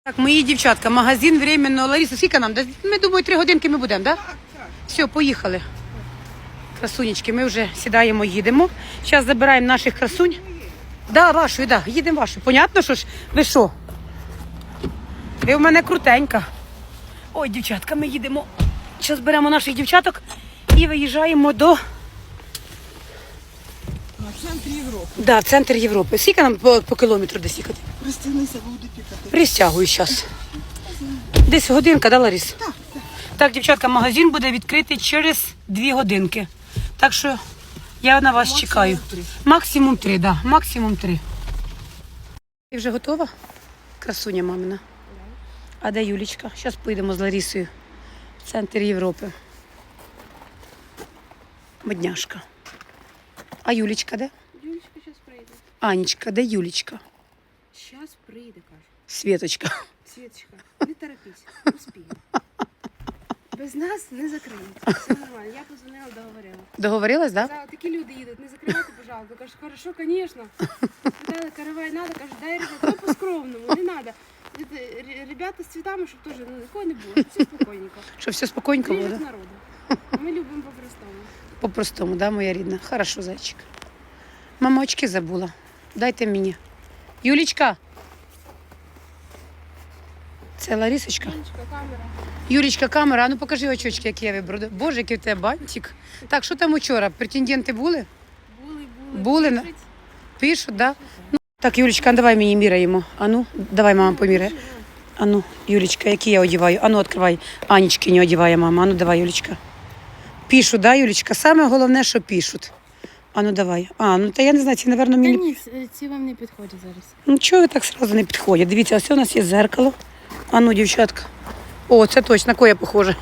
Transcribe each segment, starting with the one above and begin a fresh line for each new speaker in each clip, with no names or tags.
Так, мої дівчатка, магазин временно. Лариса, скільки нам? Ми думаю, 3 годинки ми будемо, так? Да? Все, поїхали. Красунечки, ми вже сідаємо, їдемо. Зараз забираємо наших красунь. Да, вашу, да, їдемо вашу. Понятно, що ж? Ви що? Ви в мене крутенька. Ой, дівчатка, ми їдемо. Зараз беремо наших дівчаток і виїжджаємо до...
В центрі Європи.
Да, в центр Європи. Скільки нам по кілометру десь їхати?
Пристегнися, буде пікати.
Пристягую зараз. Десь годинка, да, Ларис?
Так, так.
Так, дівчатка, магазин буде відкритий через 2 годинки. Так що я на вас чекаю.
3.
Максимум 3, да, максимум 3. Ти вже готова? Красуня мамина. А де Юлічка? Зараз поїдемо з Ларісою в центр Європи. Модняшка. А Юлічка де?
Юлечка зараз прийде.
Анечка, де Юлічка?
Зараз прийде, каже.
Світочка.
Світочка, не торопись, успіємо. Без нас не закриють. Все нормально. Я позвонила, договорила.
Договорилась, да?
Сказала, такі люди їдуть, не закривайте, пожалуйста. Кажу, хорошо, звісно. Питали, каравай надо, кажу, дай, ребята, ну по-скромному, не надо. Ребята з цвітами, щоб теж такого не було, щоб все спокійненько.
Щоб все спокійненько було,
Ближе
да?
к народу. Ми любимо по-простому.
По-простому, да, моя рідна? Хорошо, зайчик. Мама очки забула. Дайте мені. Юлічка. Це Ларисочка.
Юлечка, камера.
Юлічка, камера, а ну покажи очочки, які я вибрала. Боже, який в тебе бантик. Так, що там учора? Претенденти були? Були, на-
Пишуть.
Пишуть, да? Ну, так, Юлічка, давай мені міряємо. А ну, давай, мама, поміряє. А ну, Юлічка, які я одіваю? А ну, відкривай. Анечки не одіває мама. А ну, давай, Юлічка. Пишуть, да, Юлічка? Саме головне, що пишуть. А ну, давай. А, ну, та я не знаю, ці, напевно,
Та
мені...
ні, ці вам не підходять зараз.
Ну, чого ви так сразу не підходять? Дивіться, ось у нас є зеркало. А ну, дівчатка. О, це точно, на кого я похожа?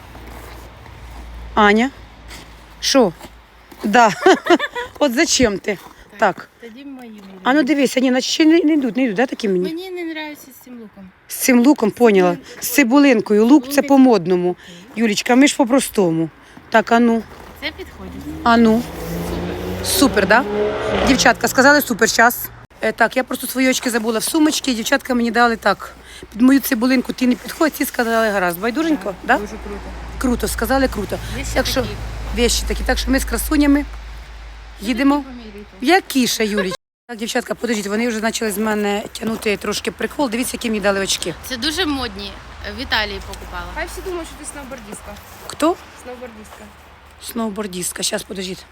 Аня? Що? Да. От зачем ти? Так.
Тоді мої будуть.
А ну дивися, ні, наче ще не йдуть, да, такі мені?
Мені не подобається з цим луком.
З цим луком, поняла? З цибулинкою. Лук це по-модному. Юлічка, ми ж по-простому. Так, а ну.
Це підходить.
А ну. Супер, да? Дівчатка, сказали супер, час. Так, я просто свої очки забула в сумочці, дівчатка мені дали так. Під мою цибулинку ти не підходь, ці сказали гаразд. Байдуженько, да?
Дуже круто.
Круто, сказали круто.
Є ще
Так що,
такі.
вещі такі. Так що ми з красунями їдемо.
Поміряйте.
Які ще, Юлічка? Так, дівчатка, подождіть, вони вже почали з мене тягнути трошки прикол. Дивіться, які мені дали очки.
Це дуже модні. В Італії покупала.
Хай всі думають, що ти сноубордистка.
Хто?
Сноубордистка.
Сноубордістка. Зараз, подождіть.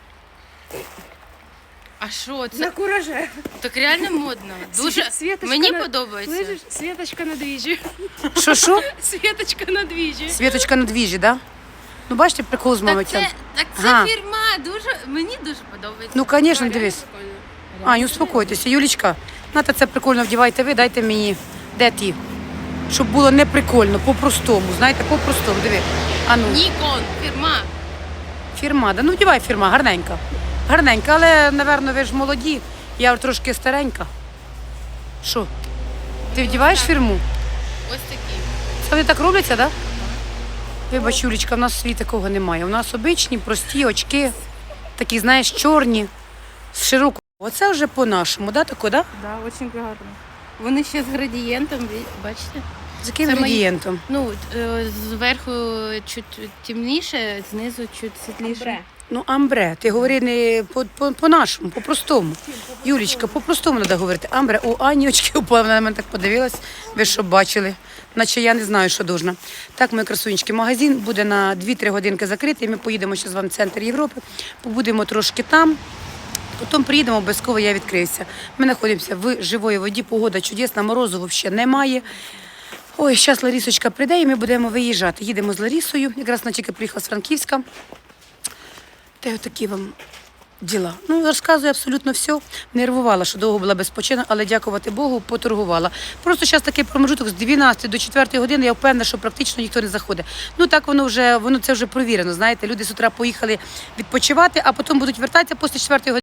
А що це?
На кураже.
Так реально модно. Дуже
Світочка
мені
на-
подобається.
Слышиш? Світочка на двіжі.
Що?
Світочка на двіжі.
Світочка на двіжі, да? Ну, бачите, прикол з мамою
Так це
Ага.
фірма. Мені дуже подобається.
Ну, звісно, дивись. Аню, успокойтеся. Юлічка, знаєте, це прикольно вдівайте ви, дайте мені, де ті? Щоб було не прикольно, по-простому, знаєте, по-простому, диви. А ну,
Нікон, фірма.
фірма, да, ну вдівай фірма, гарненька. Гарненька, але, напевно, ви ж молоді, я вже трошки старенька. Що, ти вдіваєш фірму?
Ось такі.
Це вони так робляться, так? Да? Вибач, Юлічка, в нас в світі такого немає. У нас обичні, прості очки, такі, знаєш, чорні, з широкою. Оце вже по-нашому, да, тако, да?
Да, дуже гарно. Вони ще з градієнтом, бачите?
З яким
Це мої-
градієнтом?
Ну, зверху чуть темніше, знизу чуть світліше.
Ну, амбре, ти говори не по-нашому, по-простому. Юлічка, по-простому треба говорити. Амбре, у Ані очки упали, вона на мене так подивилась, ви що бачили, наче я не знаю, що должна. Так, мої красунечки, магазин буде на 2-3 годинки закритий, ми поїдемо ще з вами в центр Європи, побудемо трошки там, потім приїдемо, обов'язково я відкриюся. Ми знаходимося в живої воді, погода чудесна, морозу взагалі немає. Ой, зараз Ларісочка прийде і ми будемо виїжджати. Їдемо з Ларісою, якраз вона тільки приїхала з Франківська. Та й такі вам діла. Ну, розказую абсолютно все. Нервувала, що довго була без почину, але дякувати Богу, поторгувала. Просто зараз такий промежуток з 12 до 4 години, я впевнена, що практично ніхто не заходить. Ну, так воно це вже провірено, знаєте. Люди з утра поїхали відпочивати, а потім будуть вертатися після 4 години.